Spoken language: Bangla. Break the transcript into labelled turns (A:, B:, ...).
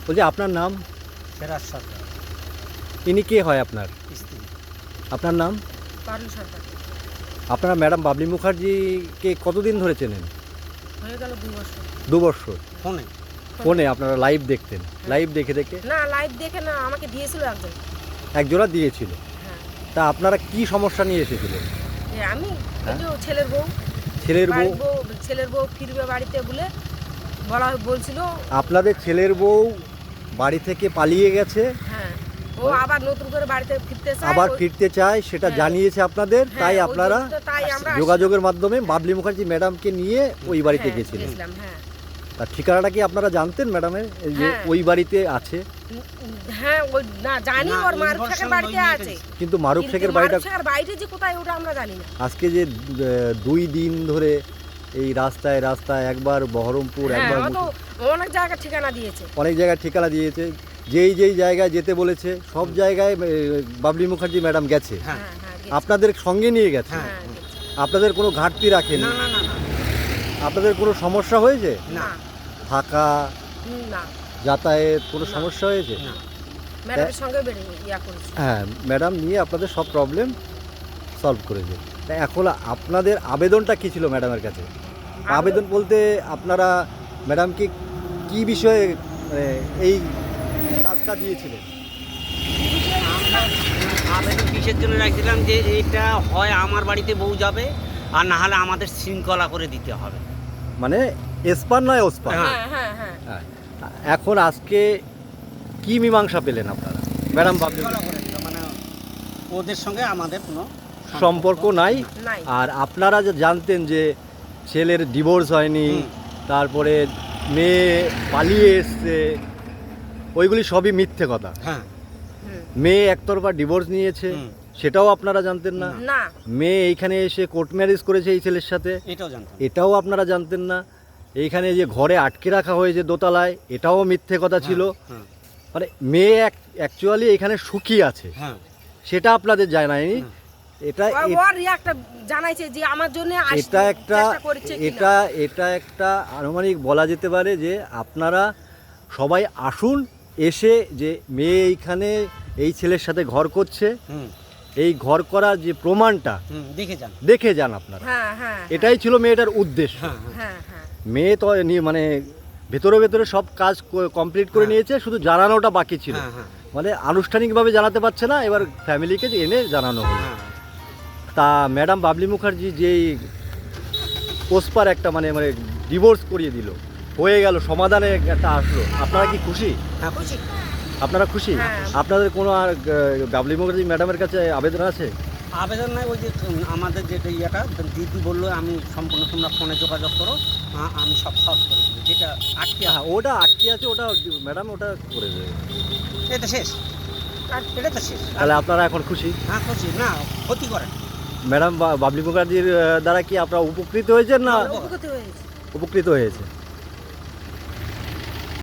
A: বলছি আপনার নাম?
B: ফেরাজ সরকার,
A: ইনি কে হয় আপনার?
B: স্ত্রী।
A: আপনার নাম?
C: পারুল সরকার।
A: আপনারা ম্যাডাম বাবলি মুখার্জিকে কতদিন ধরে চেনেন?
C: হয়ে গেল 2 বছর।
A: 2 বছর।
B: ফোনে
A: ফোনে আপনারা লাইভ দেখতেন? লাইভ দেখে দেখে?
C: না, লাইভ দেখে না, আমাকে দিয়েছিল একজন।
A: একজোড়া দিয়েছিল।
C: হ্যাঁ।
A: তা আপনারা কি সমস্যা নিয়ে এসেছিলেন?
C: আমি
A: হ্যাঁ?
C: ওই যে ছেলের বউ,
A: ছেলের বউ?
C: ছেলের বউ ফিরবে বাড়িতে বলে বলছিল।
A: আপনাদের ছেলের বউ বাড়ি থেকে পালিয়ে গেছে,
C: হ্যাঁ, ও আবার নতুন করে বাড়িতে ফিরতে চায়।
A: আবার ফিরতে চায়, সেটা
C: হ্যাঁ।
A: জানিয়েছে আপনাদের,
C: হ্যাঁ,
A: তাই
C: ওই
A: আপনারা
C: জন্য তো তাই আমরা
A: যোগাযোগের মাধ্যমে বাবলি মুখার্জি ম্যাডামকে নিয়ে ওই বাড়িতে গেছিলেন।
C: গেছিলাম, হ্যাঁ।
A: তার ঠিকানাটা কি আপনারা জানতেন ম্যাডামের, এই যে
C: হ্যাঁ।
A: ওই বাড়িতে আছে?
C: হ্যাঁ, ওই না জানি
B: না,
C: ওর মারুফ
B: information
C: শেখের বাড়িতে
B: লইয়ে
C: আছে।
A: কিন্তু মারুফ
C: কিন্তু
A: শেখের বাড়িটা
C: মারুফ শেখের বাড়িতে যে কোথায় ওটা আমরা জানি না।
A: আজকে যে 2 দিন ধরে এই রাস্তায় রাস্তায় একবার বহরমপুর,
C: হ্যাঁ,
A: একবার
C: ও তো অনেক জায়গায় ঠিকানা দিয়েছে।
A: অনেক জায়গায় ঠিকানা দিয়েছে, যেই যেই জায়গায় যেতে বলেছে সব জায়গায় বাবলি মুখার্জি ম্যাডাম গেছে।
B: হ্যাঁ
C: হ্যাঁ, হ্যাঁ, গেছে।
A: আপনাদের সঙ্গে নিয়ে গেছে?
B: হ্যাঁ।
C: হ্যাঁ, গেছে।
A: আপনাদের কোনো ঘাটতি রাখেনি?
B: না না না না
A: আপনাদের কোনো সমস্যা হয়েছে?
C: না,
A: থাকা,
C: না,
A: যাতায়াত কোনো
C: না।
A: সমস্যা হয়েছে?
B: না।
C: ম্যাডামের সঙ্গে বেরিয়ে ইয়া করেছি।
A: হ্যাঁ, ম্যাডাম নিয়ে আপনাদের সব প্রবলেম সলভ করেছে। তা এখন আপনাদের আবেদনটা কী ছিল ম্যাডামের কাছে? আবেদন বলতে আপনারা ম্যাডামকে কি বিষয়ে এই কাজটা দিয়েছিলেন?
B: আমরা আবেদন কিসের জন্য রাখছিলাম যে এটা হয় আমার বাড়িতে বউ যাবে, আর না হলে আমাদের শৃঙ্খলা করে দিতে হবে।
A: মানে এসপার নয় ওসপার।
B: হ্যাঁ।
C: হ্যাঁ, হ্যাঁ, হ্যাঁ।
A: হ্যাঁ। এখন আজকে কি মীমাংসা পেলেন আপনারা? ম্যাডাম বাবলি
B: শৃঙ্খলা করে দিতে, মানে ওদের সঙ্গে আমাদের কোনো
A: সম্পর্ক নাই।
C: নাই।
A: আর আপনারা যে জানতেন যে ছেলের ডিভোর্স হয়নি,
B: হুম।
A: তারপরে মেয়ে পালিয়ে এসছে, ওইগুলি সবই মিথ্যে কথা।
B: হ্যাঁ।
C: হুম।
A: মেয়ে একতরফা ডিভোর্স নিয়েছে,
B: হুম।
A: সেটাও আপনারা জানতেন না।
C: না,
A: মেয়ে এইখানে এসে কোর্ট ম্যারেজ করেছে এই ছেলের সাথে,
B: এটাও জানতাম।
A: এটাও আপনারা জানতেন না। এইখানে যে ঘরে আটকে রাখা হয়েছে দোতলায়, এটাও মিথ্যে কথা ছিল।
B: হ্যাঁ,
A: মানে মেয়ে অ্যাকচুয়ালি এখানে সুখী আছে,
B: হ্যাঁ।
A: সেটা আপনাদের জানায়নি। এটা
C: ওর একটা জানাইছে যে আমার জন্য
A: এটা একটা এটা একটা আনুমানিক বলা যেতে পারে যে আপনারা সবাই আসুন, এসে যে মেয়ে এইখানে এই ছেলের সাথে ঘর করছে,
B: হুম,
A: এই ঘর করার যে প্রমাণটা
B: হুম, দেখে যান।
A: দেখে যান আপনারা।
C: হ্যাঁ, হ্যাঁ,
A: এটাই ছিল মেয়েটার উদ্দেশ্য।
B: হ্যাঁ, হ্যাঁ।
C: হ্যাঁ, হ্যাঁ।
A: মেয়ে তো মানে ভেতরে ভেতরে সব কাজ কমপ্লিট করে
B: হ্যাঁ।
A: নিয়েছে, শুধু জানানোটা বাকি ছিল।
B: হ্যাঁ, হ্যাঁ,
A: মানে আনুষ্ঠানিকভাবে জানাতে পারছে না, এবার ফ্যামিলিকে এনে জানানো হলো।
B: হ্যাঁ।
A: তা ম্যাডাম বাবলি মুখার্জি যেই পোস্পার একটা মানে মানে ডিভোর্স করিয়ে দিল, হয়ে গেল, সমাধানে একটা আসলো, আপনারা কি খুশি?
B: হ্যাঁ,
C: খুশি।
A: আপনারা খুশি?
C: হ্যাঁ।
A: আপনাদের কোনো আর বাবলি মুখার্জি ম্যাডামের কাছে আবেদন আছে?
B: আবেদন নাই, ওই যে আমাদের যেটা ইয়েটা দিদি বললো আমি সম্পূর্ণ তোমরা ফোনে যোগাযোগ করো, আমি সব সলভ করে দেবো, যেটা আটকে
A: হ্যাঁ, ওটা আটকে আছে, ওটা ম্যাডাম ওটা করে দেবে।
B: এটা শেষ, আর এটা তো শেষ।
A: তাহলে আপনারা এখন খুশি?
B: হ্যাঁ, খুশি না, ক্ষতি করে না।
A: ম্যাডাম বাবলি মুখার্জির দ্বারা কি আপনারা উপকৃত হয়েছেন না
C: উপকৃত হয়েছে।
A: উপকৃত হয়েছে?